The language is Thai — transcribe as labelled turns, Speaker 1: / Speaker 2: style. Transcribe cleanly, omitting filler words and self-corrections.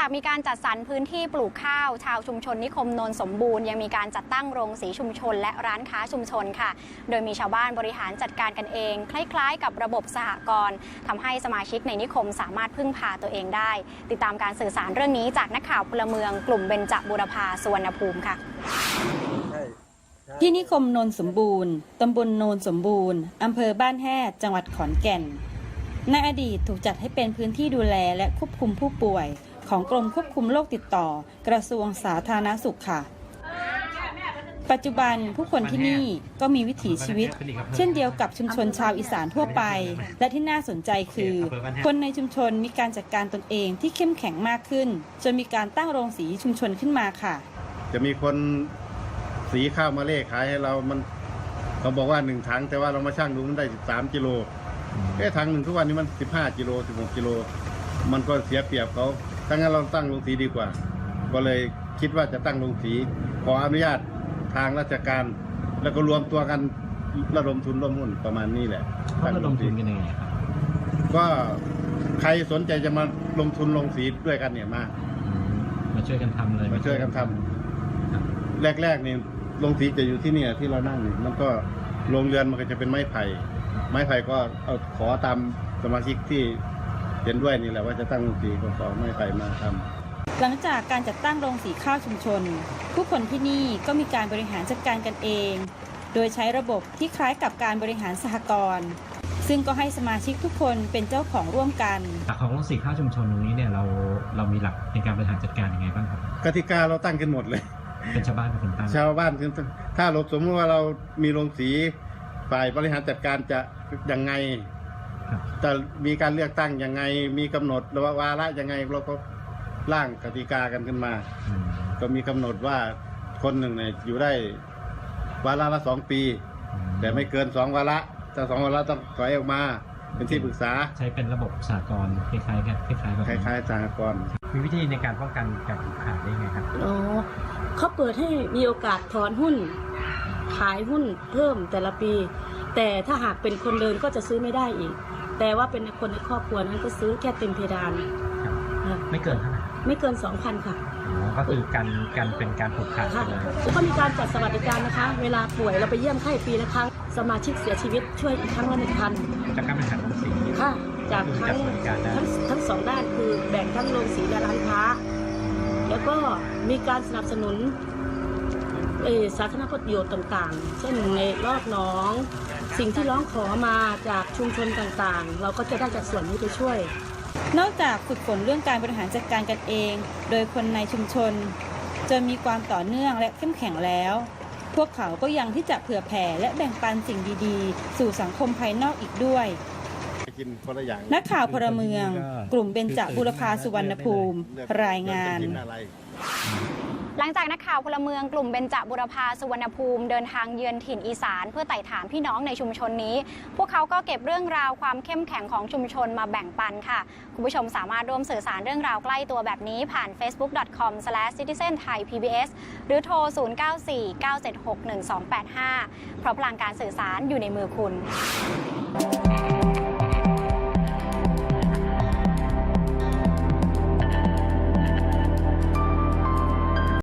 Speaker 1: จากมีการจัดสรรพื้นที่ปลูกข้าวชาวชุมชนนิคมโนนสมบูรณ์ยังมีการจัดตั้งโรงสีชุมชนและร้านค้าชุมชนค่ะโดยมีชาวบ้านบริหารจัดการกันเองคล้ายๆกับระบบสหกรณ์ทำให้สมาชิกในนิคมสามารถพึ่งพาตัวเองได้ติดตามการสื่อสารเรื่องนี้จากนักข่าวพลเมืองกลุ่มเบญจบูรพาสุวรรณภูมิค่ะ
Speaker 2: ที่นิคมโนนสมบูรณ์ตำบลโนนสมบูรณ์อำเภอบ้านแฮ่จังหวัดขอนแก่นในอดีตถูกจัดให้เป็นพื้นที่ดูแลและควบคุมผู้ป่วยของกรมควบคุมโรคติดต่อกระทรวงสาธารณสุขค่ะปัจจุบันผู้คนที่นี่ก็มีวิถีชีวิตเช่นเดียวกับชุมชนชาวอีสานทั่วไปและที่น่าสนใจคือคนในชุมชนมีการจัดการตนเองที่เข้มแข็งมากขึ้นจนมีการตั้งโรงสีชุมชนขึ้นมาค่ะ
Speaker 3: จะมีคนสีข้าวมาเล่ขายให้เรามันเขาบอกว่า1 ถังแต่ว่าเรามาชั่งดูมันได้13 กิโลถังหนึ่งทุกวันนี้มัน15 กิโล16 กิโลมันก็เสียเปรียบเขาถ้างั้นเราตั้งโรงสีดีกว่าก็เลยคิดว่าจะตั้งโรงสีขออนุญาตทางราชการแล้วก็รวมตัวกันระดมทุนร่วมหุ้นประมาณนี้แหละ
Speaker 4: เขาระดมทุนกันยังไงครับ
Speaker 3: ก็ใครสนใจจะมาลงทุนลงสีด้วยกันเนี่ย
Speaker 4: มาช่วยกันทำเลย
Speaker 3: มาช่วยกันทำแรกๆนี่ลงสีจะอยู่ที่นี่ที่เรานั่งมันก็โรงเรือนมันก็จะเป็นไม้ไผ่ก็เอาขอตามสมาชิกที่เห็นด้วยนี่แหละว่าจะตั้งโรงสีก็ขอไม้ไผ่มาทำ
Speaker 2: หลังจากการจัดตั้งโรงสีข้าวชุมชนผู้คนที่นี่ก็มีการบริหารจัดการกันเองโดยใช้ระบบที่คล้ายกับการบริหารสหกรณ์ซึ่งก็ให้สมาชิกทุกคนเป็นเจ้าของร่วมกัน
Speaker 4: หลักของโรงสีข้าวชุมชนตรงนี้เนี่ยเรามีหลักในการบริหารจัดการยังไงบ้างครับ
Speaker 3: กติกาเราตั้งกันหมดเลย
Speaker 4: เป็นชาวบ้านเป็นคนตั้ง
Speaker 3: ชาวบ้านถ้าเราสมมติว่าเรามีโรงสีฝ่ายบริหารจัดการจะยังไงจะมีการเลือกตั้งยังไงมีกำหนดหรือว่าวาระยังไงเราก็ร่างกติกากันขึ้นมาก็มีกำหนดว่าคนหนึ่งเนี่ยอยู่ได้วาระละ2 ปีแต่ไม่เกิน2 วาระถ้า2 วาระต้องถอยออกมาเป็นที่ปรึกษา
Speaker 4: ใช้เป็นระบบสหกรณ์คล้ายๆกันคล้าย
Speaker 3: ๆสหกรณ์
Speaker 4: มีวิธีในการป้องกันการผูกขาดได้ไงครับ
Speaker 5: เขาเปิดให้มีโอกาสถอนหุ้นขายหุ้นเพิ่มแต่ละปีแต่ถ้าหากเป็นคนเดินก็จะซื้อไม่ได้อีกแต่ว่าเป็นคนในครอบครัวนั้นก็ซื้อแค่เต็มเพดาน
Speaker 4: ไม่เกินเท่าไหร่
Speaker 5: ไม่เกิน 2,000 ค่ะ
Speaker 4: ก็คือการเป็นการผูกขาด
Speaker 5: ค่ะก็มีการจัดสวัสดิการนะคะเวลาป่วยเราไปเยี่ยมไข้ปีละครั้งสมาชิกเสียชีวิตช่วยอีกครั้งละ 1,000
Speaker 4: จากการบริหารโรงสี
Speaker 5: ค่ะจากทั้ง2 ด้านคือแบ่งทั้งโรงสีและร้านค้าแล้วก็มีการสนับสนุนสาธารณประโยชน์ต่างๆเช่นในรอบหนองสิ่งที่ร้องขอมาจากชุมชนต่างๆเราก็จะได้จากส่วนนี้ไปช่วย
Speaker 2: นอกจากฝึกฝนเรื่องการบริหารจัดการกันเองโดยคนในชุมชนจนมีความต่อเนื่องและเข้มแข็งแล้วพวกเขาก็ยังที่จะเผื่อแผ่และแบ่งปันสิ่งดีๆสู่สังคมภายนอกอีกด้วยนักข่าวพลเมืองกลุ่มเบญจบูรพาสุวรรณภูมิรายงาน
Speaker 1: หลังจากนักข่าวพลเมืองกลุ่มเบญจบูรพาสุวรรณภูมิเดินทางเยือนถิ่นอีสานเพื่อไต่ถามพี่น้องในชุมชนนี้พวกเขาก็เก็บเรื่องราวความเข้มแข็งของชุมชนมาแบ่งปันค่ะคุณผู้ชมสามารถร่วมสื่อสารเรื่องราวใกล้ตัวแบบนี้ผ่าน facebook.com/citizenthai-pbs หรือโทร 0949761285 เพราะพลังการสื่อสารอยู่ในมือคุณ